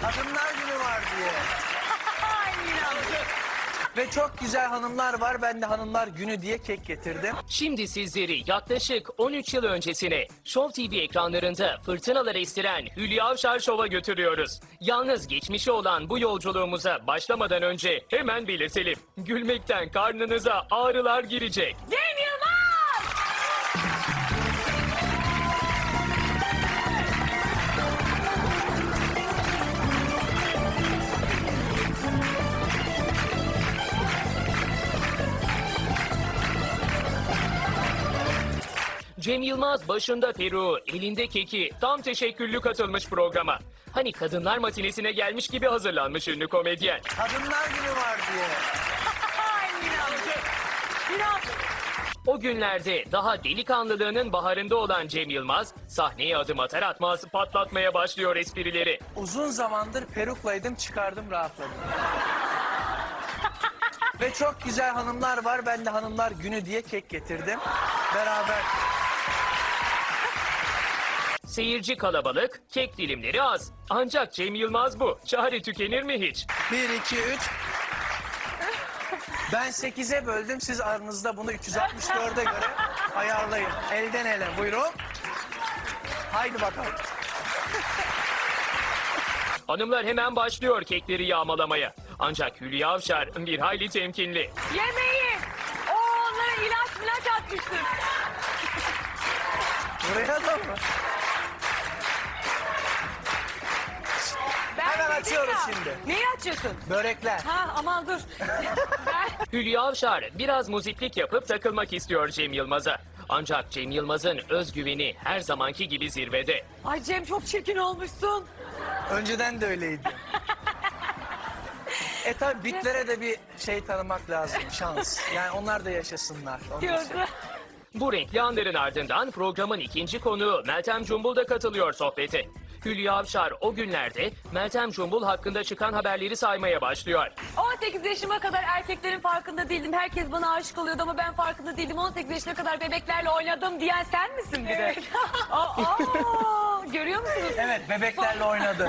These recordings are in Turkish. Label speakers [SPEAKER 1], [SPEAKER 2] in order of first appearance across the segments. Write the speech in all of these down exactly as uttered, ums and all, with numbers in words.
[SPEAKER 1] Kadınlar Günü var diye. Ve çok güzel hanımlar var. Ben de Hanımlar Günü diye kek getirdim.
[SPEAKER 2] Şimdi sizleri yaklaşık on üç yıl öncesine Show T V ekranlarında fırtınalar estiren Hülya Avşar Show'a götürüyoruz. Yalnız geçmişi olan bu yolculuğumuza başlamadan önce hemen belirtelim. Gülmekten karnınıza ağrılar girecek.
[SPEAKER 3] Cem Yılmaz!
[SPEAKER 2] Cem Yılmaz başında peruğu, elinde keki, tam teşekküllü katılmış programa. Hani kadınlar matinesine gelmiş gibi hazırlanmış ünlü komedyen.
[SPEAKER 1] Kadınlar Günü var diye.
[SPEAKER 3] Ay Miran. Miran.
[SPEAKER 2] O günlerde daha delikanlılığının baharında olan Cem Yılmaz, sahneye adım atar atmaz patlatmaya başlıyor esprileri.
[SPEAKER 1] Uzun zamandır peruklaydım, çıkardım, rahatladım. Ve çok güzel hanımlar var. Ben de Hanımlar Günü diye kek getirdim. Beraber.
[SPEAKER 2] Seyirci kalabalık, kek dilimleri az. Ancak Cem Yılmaz bu. Çare tükenir mi hiç?
[SPEAKER 1] Bir, iki, üç. Ben sekize böldüm. Siz aranızda bunu üç yüz altmış dörde göre ayarlayın. Elden ele. Buyurun. Haydi bakalım.
[SPEAKER 2] Hanımlar hemen başlıyor kekleri yağmalamaya. Ancak Hülya Avşar bir hayli temkinli.
[SPEAKER 3] Yemeği. O onlara ilaç milaç atmıştır.
[SPEAKER 1] Buraya da mı?
[SPEAKER 3] Ben
[SPEAKER 1] Hemen
[SPEAKER 3] dedim
[SPEAKER 1] açıyoruz
[SPEAKER 3] ya.
[SPEAKER 1] şimdi.
[SPEAKER 3] Neyi açıyorsun?
[SPEAKER 1] Börekler.
[SPEAKER 3] Ha aman dur. Ben...
[SPEAKER 2] Hülya Avşar biraz muziplik yapıp takılmak istiyor Cem Yılmaz'a. Ancak Cem Yılmaz'ın özgüveni her zamanki gibi zirvede.
[SPEAKER 3] Ay Cem çok çirkin olmuşsun.
[SPEAKER 1] Önceden de öyleydi. E tabi bitlere de bir şey tanımak lazım, şans. Yani onlar da yaşasınlar. Onun için.
[SPEAKER 3] Diyordu.
[SPEAKER 2] Bu renkli anların ardından programın ikinci konuğu Meltem Cumbul da katılıyor sohbete. Hülya Avşar o günlerde Meltem Cumbul hakkında çıkan haberleri saymaya başlıyor.
[SPEAKER 3] on sekiz yaşıma kadar erkeklerin farkında değildim. Herkes bana aşık oluyordu ama ben farkında değildim. on sekiz yaşına kadar bebeklerle oynadım diyen sen misin bir de?
[SPEAKER 4] Evet.
[SPEAKER 3] Aa, aa, görüyor musunuz?
[SPEAKER 1] Evet, bebeklerle oynadı.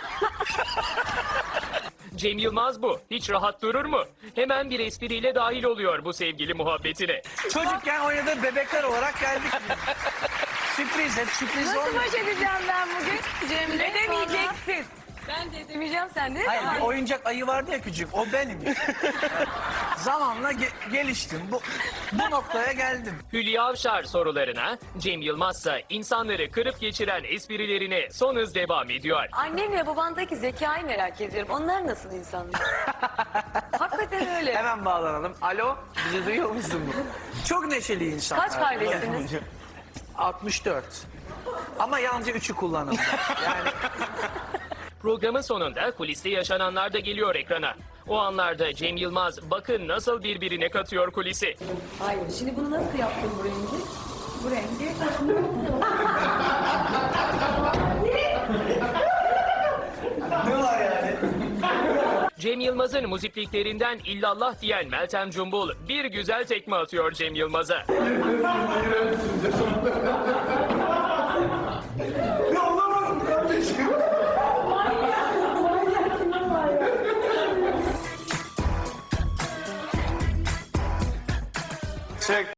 [SPEAKER 2] Cem Yılmaz bu. Hiç rahat durur mu? Hemen bir espriyle dahil oluyor bu sevgili muhabbetine.
[SPEAKER 1] Çocukken oynadığı bebekler olarak geldik. Sürpriz, hep sürpriz
[SPEAKER 3] Nasıl
[SPEAKER 1] olmuyor.
[SPEAKER 3] baş edeceğim ben bugün? Cem'le edemeyeceksin. Ben de edemeyeceğim, sen de.
[SPEAKER 1] Hayır, bir oyuncak ayı vardı ya küçük, o benim. Zamanla ge- geliştim, bu, bu noktaya geldim.
[SPEAKER 2] Hülya Avşar sorularına, Cem Yılmaz ise insanları kırıp geçiren esprilerine son hız devam ediyor.
[SPEAKER 3] Annemle babandaki zekayı merak ediyorum. Onlar nasıl insanlar? Hakikaten öyle.
[SPEAKER 1] Hemen bağlanalım. Alo, bizi duyuyor musun? Çok neşeli insanlar.
[SPEAKER 3] Kaç kardeşsiniz?
[SPEAKER 1] altmış dört. Ama yalnızca üçü kullanıldı. Yani
[SPEAKER 2] Programın sonunda kuliste yaşananlar da geliyor ekrana. O anlarda Cem Yılmaz bakın nasıl birbirine katıyor kulisi.
[SPEAKER 3] Hayır, şimdi bunu nasıl yaptın bu rengi? Bu rengi.
[SPEAKER 1] ne var yani?
[SPEAKER 2] Cem Yılmaz'ın muzipliklerinden illallah diyen Meltem Cumbul bir güzel tekme atıyor Cem Yılmaz'a.
[SPEAKER 1] Anlamadım kardeşim. Çek.